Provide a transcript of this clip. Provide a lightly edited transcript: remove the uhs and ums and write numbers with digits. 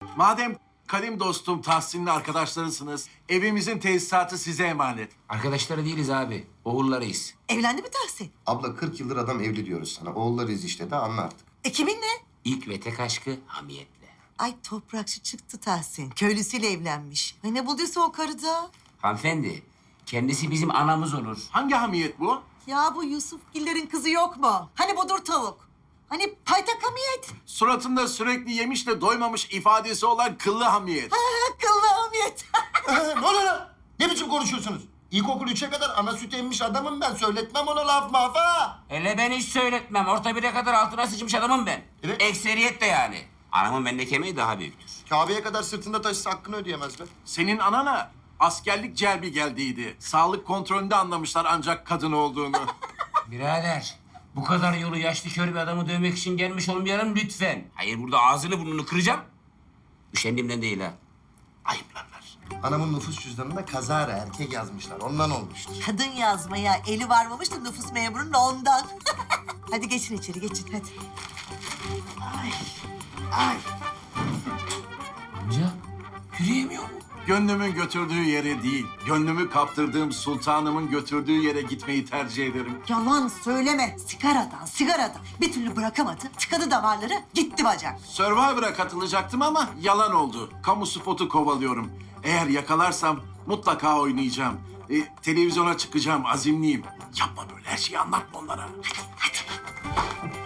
Madem kadim dostum Tahsin'le arkadaşlarısınız, evimizin tesisatı size emanet. Arkadaşları değiliz abi. Oğullarıyız. Evlendi mi Tahsin? Abla 40 yıldır adam evli diyoruz sana. Oğullarıyız işte de anla artık. Kiminle? İlk ve tek aşkı hamiyetle. Ay toprakçı çıktı Tahsin. Köylüsüyle evlenmiş. Ay ne bulduysa o karıda. Hanımefendi, kendisi bizim anamız olur. Hangi hamiyet bu? Ya bu Yusufgillerin kızı yok mu? Hani bodur tavuk? Hani paytak hamiyet? Suratında sürekli yemiş de doymamış ifadesi olan kıllı hamiyet. Akıllı hamiyet. Ne oluyor lan? Ne biçim konuşuyorsunuz? İlkokul 3'e kadar ana süt emmiş adamım ben. Söyletmem ona laf maf ha. Hele ben hiç söyletmem. Orta bire kadar altına sıçmış adamım ben. Evet. Ekseriyetle yani. Anamın bendeki emeği daha büyüktür. Kabe'ye kadar sırtında taşısa hakkını ödeyemez be. Senin anana askerlik celbi geldiydi. Sağlık kontrolünde anlamışlar ancak kadın olduğunu. Birader, bu kadar yolu yaşlı kör bir adamı dövmek için gelmiş olmayalım lütfen. Hayır, burada ağzını burnunu kıracağım. Üşendiğimden değil ha. Ayıplarlar. Anamın nüfus cüzdanında kazara erkek yazmışlar. Ondan olmuştur. Kadın yazmaya eli varmamış da nüfus memurunun ondan. Hadi geçin içeri geçin hadi. Amca, yürüyemiyor mu? Gönlümün götürdüğü yere değil, gönlümü kaptırdığım sultanımın götürdüğü yere gitmeyi tercih ederim. Yalan söyleme. Sigaradan. Bir türlü bırakamadı. Tıkadı damarları, gitti bacak. Survivor'a katılacaktım ama yalan oldu. Kamu spotu kovalıyorum. Eğer yakalarsam mutlaka oynayacağım. Televizyona çıkacağım, azimliyim. Yapma böyle, her şeyi anlatma onlara. Hadi.